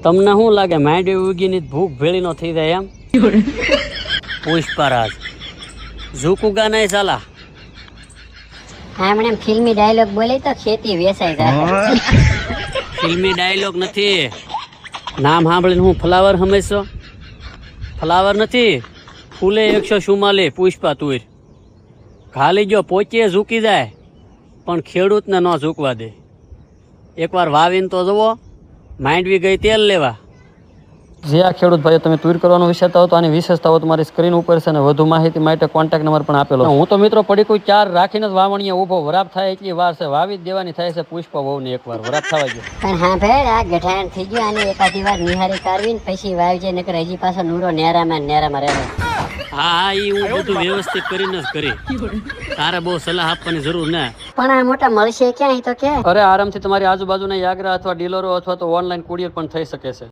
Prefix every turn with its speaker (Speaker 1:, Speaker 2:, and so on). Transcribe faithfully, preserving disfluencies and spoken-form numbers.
Speaker 1: તમને શું લાગે માંડવી ઉગીની ભૂખ ભેળી નો થઈ જાય એમ? પુષ્પરાજ ઝુકુગા નહીં સાલા.
Speaker 2: હમણાં ફિલ્મી ડાયલોગ બોલે તો ખેતી વેચાઈ જાય.
Speaker 1: ફિલ્મી ડાયલોગ નથી. નામ સાંભળીને હું ફ્લાવર સમજશો? ફ્લાવર નથી, ફૂલે એકસો ચુમ્માલીસ પુષ્પા તુર. ખાલી જો પોચીએ ઝૂકી જાય પણ ખેડૂતને ન ઝૂકવા દે. એકવાર વાવીને તો જુઓ, માંડવી ગઈ તેલ લેવા.
Speaker 3: જે આ ખેડૂત ભાઈઓ તમે તુર કરવાનું વિચારતા હો તો આની વિશેષતાઓ તમારી સ્ક્રીન ઉપર છે અને વધુ માહિતી માટે કોન્ટેક્ટ નંબર પણ આપેલો. હું તો મિત્રો પડી કોઈ ચાર રાખીને જ વાવણીએ ઊભો. વરાપ થાય એટલી વાર છે, વાવી જ દેવાની થાય છે પુષ્પા વહુને એકવાર વરાપ થવા ગયો.
Speaker 2: પણ હા ભાઈ, આ ગઠાણ થઈ ગયું અને એકાદી વાર નિહારી કરવીને પછી વાવજે, નકર હજી પાછો નૂરો નેરામાં ને નેરામાં રહે.
Speaker 1: હા હા, એ હું બધું વ્યવસ્થિત કરીને જ કરી. તારે બહુ સલાહ આપવાની જરૂર ના.
Speaker 2: પણ આ મોટા મળશે ક્યાં? તો કે
Speaker 3: અરે આરામથી તમારી આજુબાજુના યાગ્રા અથવા ડીલરો અથવા તો ઓનલાઈન કુરિયર પણ થઈ શકે છે.